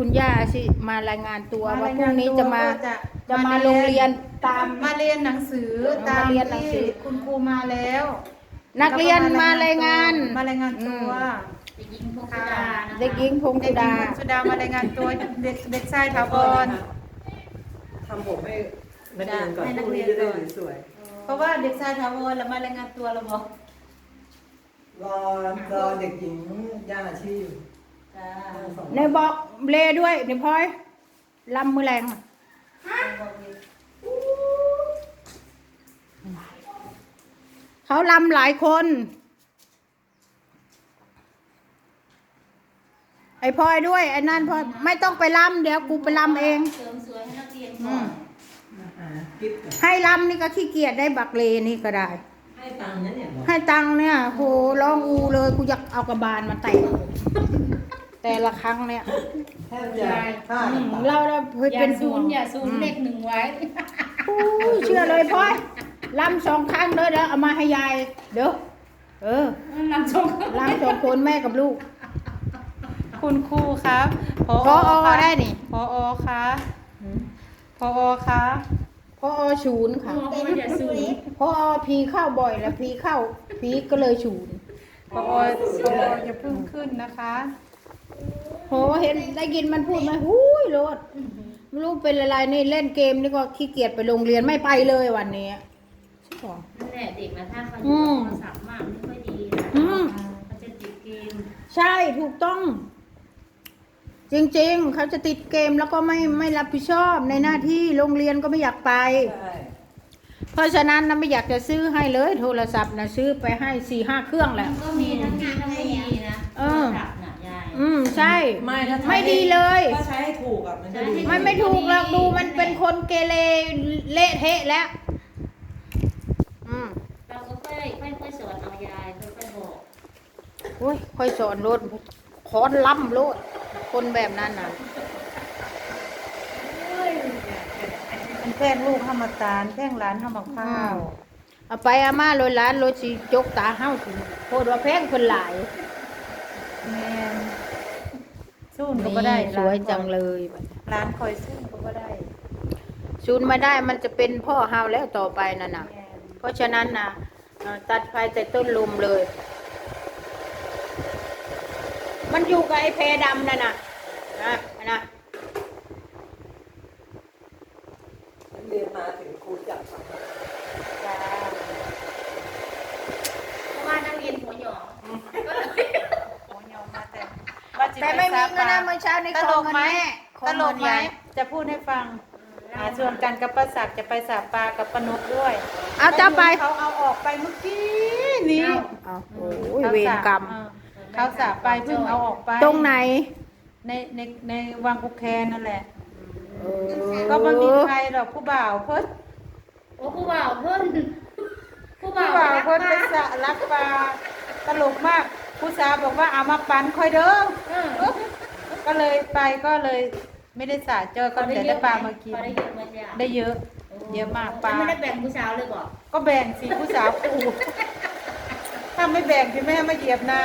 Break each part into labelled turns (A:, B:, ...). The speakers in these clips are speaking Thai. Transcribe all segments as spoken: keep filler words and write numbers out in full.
A: คุณย่าสิมารายงานตัวว่าพรุ่งนี้
B: รย
A: จะมา
B: ตัว
A: จะมาโรงเรียนตาม
B: มาเรียนหนังสือตาม
A: มาเรียนหนังสื
B: ที่
A: อ
B: คุณครูมาแล้ว
A: นักเรียนมารายงาน
B: มารายงานตัว
C: เด็กหญิงพงสุดานะคะ
A: เด็กหญิงพง
B: เด็
A: สุ
B: กหญิ
A: ดาง
B: พงสุดามารายงานตัวเด็กเด็กชายถาวร
D: ทำผมให้นักเรียนก่อน
B: ให้นั
D: พ
B: ก
D: รุ่ง
B: เรี
D: นี้
B: ยน
D: จะได้
B: ก่อน
D: สวย
B: เพราะว่าเด็กชายถาวรแล้วมารายงานตัวเราบอก
D: ๆรอรอเด็กหญิงย่าอาชีพ
B: จ้า
D: สอง
A: ในบอกเลด้วยในพลอยลำมือแรงเขาลำหลายคน ไอ้พลอยด้วยไอ้นั่นพลอยไม่ต้องไปลำเดี๋ยวกูไปลำเอง
C: เสริมสวยให้นักเรียน
A: อื
C: ก่อ
A: ม
C: น
D: อ่ากิ๊บกับ
A: ให้ลำนี่ก็ขี้เกียจได้บักเลนี่ก็ได้
D: ให้ตังค์นะเนี่ยบอก
A: ให้ตังค์เนี่ยโหร้องอูเลยกูอยากเอากระบาลมาแต่งแต่ละครั้งเนี่ย
D: แทบจะฆ่า
A: อื
D: กัน
A: ม
D: ตาย
A: เราเราเคย
C: อย่า
A: เป็น
C: ซูนอย่าซูนเลขหนึ่งไว้
A: โอ้ยเชื่อเลยพ่อยลำสองครั้งเลยเดี๋ยวเอามาให้ยายเดี๋ยวเออ
C: ลำชง
A: ลำสองคนแม่กับลูก
B: คุณครูครับพอ
A: พอ
B: คะ
A: ได้นี่
B: พอคะพอคะ
A: พอศูนย์ค่ะ
C: พ่อไม่อย่าซูน
A: พอพีเข้าบ่อยแล้วพีเข้าพีก็เลยศูนย์
B: พอพออย่าเพิ่งขึ้นนะคะ
A: โหเห็นได้ยินมันพูดไหมหูยโลดไม่รู้เป็นอะไรนี่เล่นเกมนี่ก็ขี้เกียจไปโรงเรียนไม่ไปเลยวันนี้ใช่ปะ
C: นั่นแหละเด็กนะถ้าเขาอ
A: อื
C: ยู่
A: ม
C: โทรศัพท์มากไม่ค่อยดีนะ
A: อืม
C: เขาจะติดเกม
A: ใช่ถูกต้อง จริงๆ เขาจะติดเกมแล้วก็ไม่ไม่รับผิดชอบในหน้าที่โรงเรียนก็ไม่อยากไป
D: ใช่
A: เพราะฉะนั้นนะไม่อยากจะซื้อให้เลยโทรศัพท์นะซื้อไปให้สี่ห้าเครื่องแห
C: มั
A: ละ
C: นก็มีทั้งงานทั้งไม่ดีนะ
A: เออ
C: โทรศัพท์น่ะยาย
A: อืมใช่
D: ไม่ถ้าใช้
A: ไม่ดีเลย
D: ถ้าใช้ให้ถูกอ่ะมันจะดี
A: ไม่ไม่ถูกหรอกดูมันเป็นคนเกเรเละเทะแล้ว อืม
C: เราก็ค่อยค่อยค่อยสอนเอายายค่อยๆบอก
A: โอ้ยค่อยสอนรถคอนล้ำรถคนแบบนั้นน่ะ
B: มันแกล้งลูกห้ามาตาลแกล้งหลานห้ามาข้าว
A: เอาไปอาม่าลอยล้านรถสีจกตาเฮ้าถึงโคตรว่าแพงคนหลาย
B: แม่นสู้นก็บ่ได้
A: นี่สวยจังเลย
B: ร้านคอยสู้นก็บ่ได้
A: ซูนมาได้มันจะเป็นพ่อเฮาแล้วต่อไปนั่นน่ะ เพราะฉะนั้นนะเอ่อตัดไฟแต่ต้นลมเลย มันอยู่กับไอ้เพดำนั่นน่ะนะนะ
D: เรียนมาถึงครูจับ
A: จ้า
C: เพราะว่านักเรียนหัวหยอง
B: โอ้ยอมมาแต่ว่าจะ
A: แต่ไม่มีเงินนะเมื่อเช้าใน
B: ต
A: ค
B: ล
A: อง
B: ก
A: เงิน
B: ไหม
A: แม่ขอ
B: ต
A: ง
B: ล
A: เงิ
B: ก
A: น
B: ไหม
A: ยาย
B: จะพูดให้ฟังหาชวนกันกับประศักดิ์จะไปสาปลากับปนุกด้วย
A: เอาเจ้าไป
B: เขาเอาออกไปเมื่อกี้นี้
A: เอาโอ้ยเวรกรรม
B: เออเขาสาปไปเพิ่งเอาออกไป
A: ตรงไหน
B: ในในในวังกุแคนนั่นแหละ
A: เออ
B: ก็ไม่มีใครหรอกผู้บ่าวเพิ่น
C: โอ้ผู้บ่าวเพิ่นผู้
B: ผู้
C: บ่าว
B: บ่าวเพิ่น
C: รั
B: ไป
C: ก
B: สะรักปลาตลกมาก ผู้สาวบอกว่าเอามาปันคอยเด้อ
C: เออ
B: ก็เลยไปก็เลยไม่ได้สาเจอก็เดี๋ยวได้ปลามากิน
C: พอได้เยอะไหมจ๊ะ
B: ได้เยอะ เยอะมากปลา
C: ไม่ได้แบ่งผู้สาวเลยบอก
B: ก็แบ่งสิผู้สาวกูถ้าไม่แบ่งพี่แม่มาเหยียบนา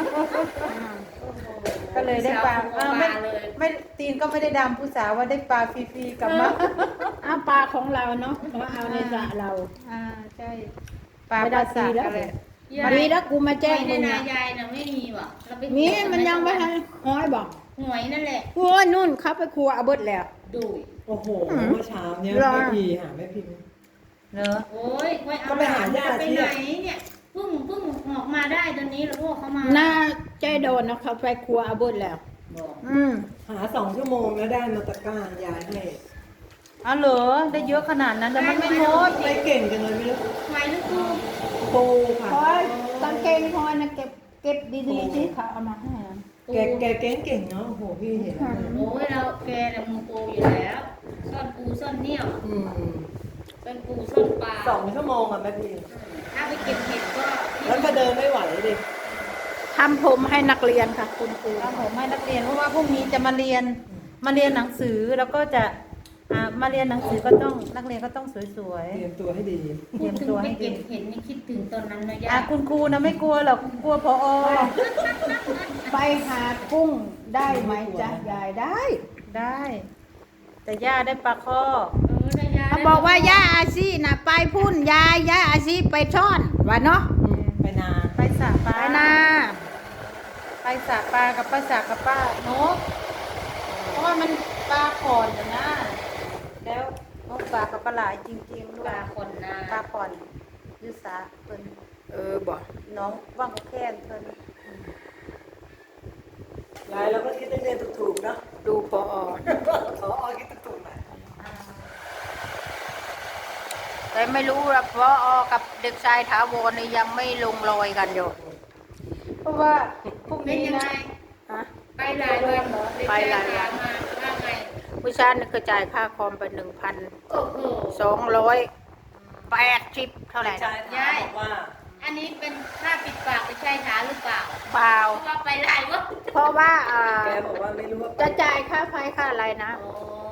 B: ก็เลยได้ปลาเออไม่ไม่ตีนก็ไม่ได้ดำผู้สาวว่าได้ปลาฟรีๆกลับมา
A: เอาปลาของเราเนาะมาเอาในสระเรา
B: อ่าใช่ปลาปลาสากอะไร
A: ดีแล้วกูมาแจ้ง
C: ใน
A: มึง
C: นา
A: นะ
C: ยายน่ะไม่มีว่ะเราไป
A: มีมันยังไม่ทันห้อยบอก
C: หวยนั่นแหละ
A: โอ้ยนู่นเขาไปครัวเอาเบิดแล้ว
C: ดุย
D: โอ้โห
A: อืม
D: เมื่อเช้าเนี่ย
A: รอ
D: แม่พีหาแม่พิมพ์
B: เนอะ
C: โอ้ยค่อยเอา
D: ก็ไปหาญาติ
C: ไป
D: ที่
C: ไหนเนี่ยเพิ่งเพิ่งออกมาได้ตอนนี้แล้วพวกเขามา
A: หน้าใจโดนนะเขาไปครัวเอาเบิดแล้ว
C: บอก
A: อืม
D: หาสองชั่วโมงแล้วได้มาตะกร้ารยายให้
B: อ๋อเหรอได้เยอะขนาดนั้นแต่มันไม่หมด
D: ทำไมเก่งจังเลยไม่รู้
C: ไหวหรือครู
D: ครูค่ะ
A: พอยกางเกงพอยนะเก็บเก็บดีๆสิเขาเอามาให้นะ
D: แกแกเก่งเก่งเนาะโอ้โหพี่เห็นแล้วเนี่ย
C: โอ้ยเราแกเนี่ยมือโปรอยู่แล้วซ่อนปูซ่อนเนี่ยว
D: อืม
C: ซ่อนปูซ่อนปลา
D: สองชั่วโมงอ่ะแม่พิมพ์
C: ถ้าไปเก็บเห็ดก็
D: แล้วก็เดินไม่ไหวดิ
A: ทำผมให้นักเรียนค่ะ คุณครู
B: เอาผมให้นักเรียนเพราะว่าพรุ่งนี้จะมาเรียนมาเรียนหนังสือแล้วก็จะไปอ่ามาเรียนหนังสือก็ต้องนักเรียนก็ต้องสวย
D: เตรียมตัวให้ดี
B: ๆเต
C: พู
B: รีย
C: ด
B: ม
C: ถึง
B: ตัวให้ดี
C: ไปเก็บเห็นนี่คิดถึงตอนนั้นนะ
B: อ่ะ
C: ย่า
B: คุณครูนะไม่กลัวหรอกกลัวพอ
A: ไปหากุ้งได้ไหมจ๊ะยายได้
B: ได้ แต่ย่าได้ปลาข้อ
C: เออได้ยา
A: เขาบอกว่าย่าอาชีน่ะไปพุ่นยายย่าอาชีไปช่อนว่าเนาะ
D: ไปนา
B: ไปสระปลา
A: ไปนา
B: ไปสระปลากับป้าสระกับป้านกเพราะว่ามันปลาขอนน่ะนะแล้วนกปลากับปลาหลายจริงๆด้ว
C: ปลาย คนนา
B: ปลาขอนอยุสาเพิ่น
A: เออบอก
B: น้องว่างก็แค่นเพิ่น
D: ยายเราก็คิดได้เรียนถูกๆเนาะ
A: ดูพอ
D: ขออคิดถูกๆหน่อย
A: แต่ไม่รู้ว่าพอกับเด็กชายถาวรนี่ยังไม่ลงรอยกันอยู่
B: เพราะว่าพรุ่ง
C: เป็น
B: นี้
C: ยังไง
B: นะ
A: ฮะ
C: ไปหลายวันเหรอ
A: ไปหลายวัน
C: มาว่าไง
A: ผู้ชายนี่ก็จ่ายค่าคอมไปหนึ่งพัน
C: โอ้โห
A: สองร้อยแปดสิบเท่าไหร่
D: ชา
A: นะ
D: ยถามบอกว่า
C: อันนี้เป็นค่าปิดปากไม่ใช่ขาหรือเปล่า
A: เปล่า
C: เพราะว่าไปหลายวัน
A: เพราะว่าอ่า
D: แกบอกว่าไม่รู้ว่า
A: จะจ่ายค่าไฟค่าอะไรนะ
C: โอ้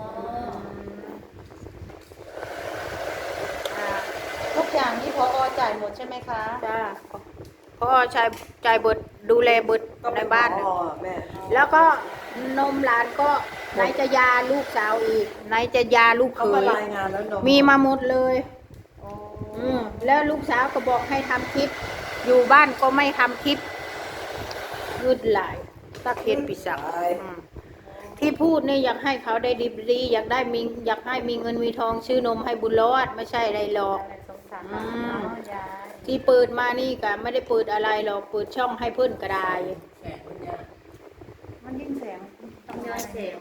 B: อ่าทุกอย่างที่พอจ่ายหมดใช่ไหมคะ
A: จ้าพ่อชายจ่ายเบิดดูแลเบิด
D: ก็
A: ใน
D: เป็น
A: บ้าน
D: ผ
A: น่ะ
D: อแม่
A: แล้วก็นมหลานก็ไหนจะยาลูกสาวอีกไหนจะยาลูกเข
D: เขามาย รายงานแล้วนม
A: มีมาหมดเลย
B: โอ้
A: อืมแล้วลูกสาวก็บอกให้ทำคลิป อยู่บ้านก็ไม่ทำคลิปยืดหลายตะเคียนปีศาจอืมที่พูดนี่อยากให้เขาได้ดีดีอยากได้มีอยากให้มีเงินมีทองชื่อนมให้บุญรอดไม่ใช่อะไรหรอก
B: สงสาร
A: อื
B: เนาะ
A: ม
B: ยาย
A: ที่เปิดมานี่ก็ไม่ได้เปิดอะไรหรอกเปิดช่องให้เพื่อนก็ได้
D: แขกคนเนี้ย
B: มันยิ่งแสง
C: ต้องย้อนเสียง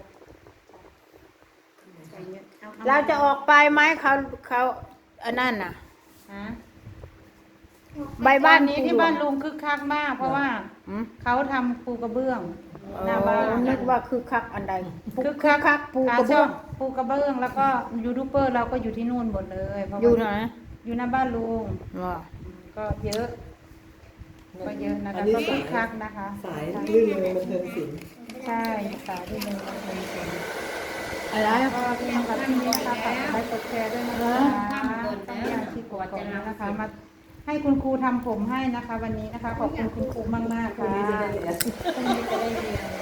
A: เราจะออกไปไหมเขาเขาอันนั้นน่ะ
B: ฮะ
A: ใบบ้าน
B: นี้ที่บ้านลุงคึกคักมาก เพราะว่า
A: อืม
B: เขาทำปูกระเบื้องหน้า
A: อ๋
B: บ้า
A: อน นึกว่าคือคักอันใด
B: คึก
A: คือคักปูกระเบื้อง
B: าชบปูกระเบื้องแล้วก็ยูทูบเบอร์เราก็อยู่ที่นู่นหมดเลยเพราะว่า
A: อยู่ไหน
B: อยู่หน้าบ้านลุง
A: ว่า
B: ก็เยอะ ก็เยอะนะคะ
D: อันนี้
B: ก็คึ
D: สาย
B: กคักนะคะ
D: สายลื่นเลยบันเทิงศิลป์
B: ใช่สายที่หนึ่งมาเป็นคน
A: อะไร
B: ก็ที่ทำกับที่นี่นะคะฝากกดไลค์กดแชร์ด้วยนะคะต้องการที่กดกดนะคะมาให้คุณครูทำผมให้นะคะ วันนี้นะคะ ขอบคุณคุณครูมากมากๆ
D: พรุ่ง
B: ค่ะ
D: นี้จะได้เรียน
B: พรุ่งนี้จะได้เรียน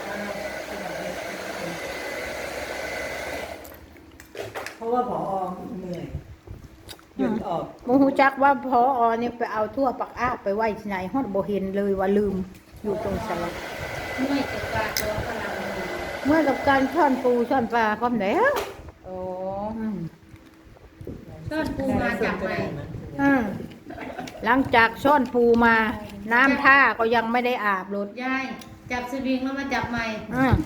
D: เพราะว่าผอเหนื่อยหยุดออก
A: โมหูจักว่าพออเนี่ยไปเอาทั่วปักอ้าไปไว้ที่ไหนฮอดบ่เห็นเลยว่าลืมอยู่ตรงสลับ
C: เมื่อยจากปลาตัวพลังงาน
A: เมื่อกับการช่อนปูช่อนปลาพร้อมแล้ว
B: โอ้
A: อืม
C: ต้นปูมาจากไหน
A: อืมหลังจากช่อนปูมา น้ำท่าก็ยังไม่ได้อาบรถ
C: ยายจับสวิงแล้วมาจับใหม่
A: อืม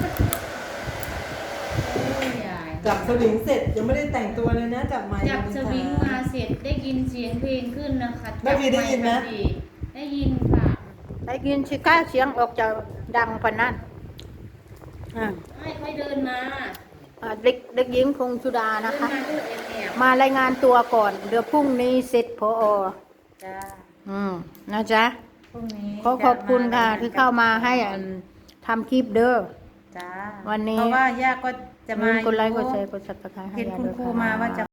C: โอ้ยยาย
D: จับสวิงเสร็จยังไม่ได้แต่งตัวเลยนะจับไมค์
C: จับสวิงมาเสร็จได้ยินเสียงเพลงขึ้นนะคะ
D: แม่วีได้ยินไหม
C: จับค์พอดีได้ยินค่ะ
A: ได้ยินสิก้าเสียงออกจากดังปานนั้นอ่า
C: ให้ค่อยเดินมา
A: อ่าเด็กเด็กหญิงคงชุดา
C: เดิ
A: นะ
C: น
A: คะ
C: มาดูเอ็นเนี่ย
A: มารายงานตัวก่อน เดี๋ยวพรุ่งนี้เสร็จพออ
B: จ้า
A: อืมนะจ๊ะ
B: พรุ่งนี้
A: ขอขอบคุณค่ะที่เข้ามาให้อันทำคลิปเด้อ
B: จ้า
A: วันนี้
B: เพราะว่าย่าก็จะ
A: จะ
B: มา
A: มา
B: อก
A: ดไลค์ก
B: ยู่
A: ดแชร์กดซับสไครต์ให้
B: เห็น
A: ยาย
B: คุณ
A: ด้วย
B: ครู
A: ค่ะ
B: มาว่าจะ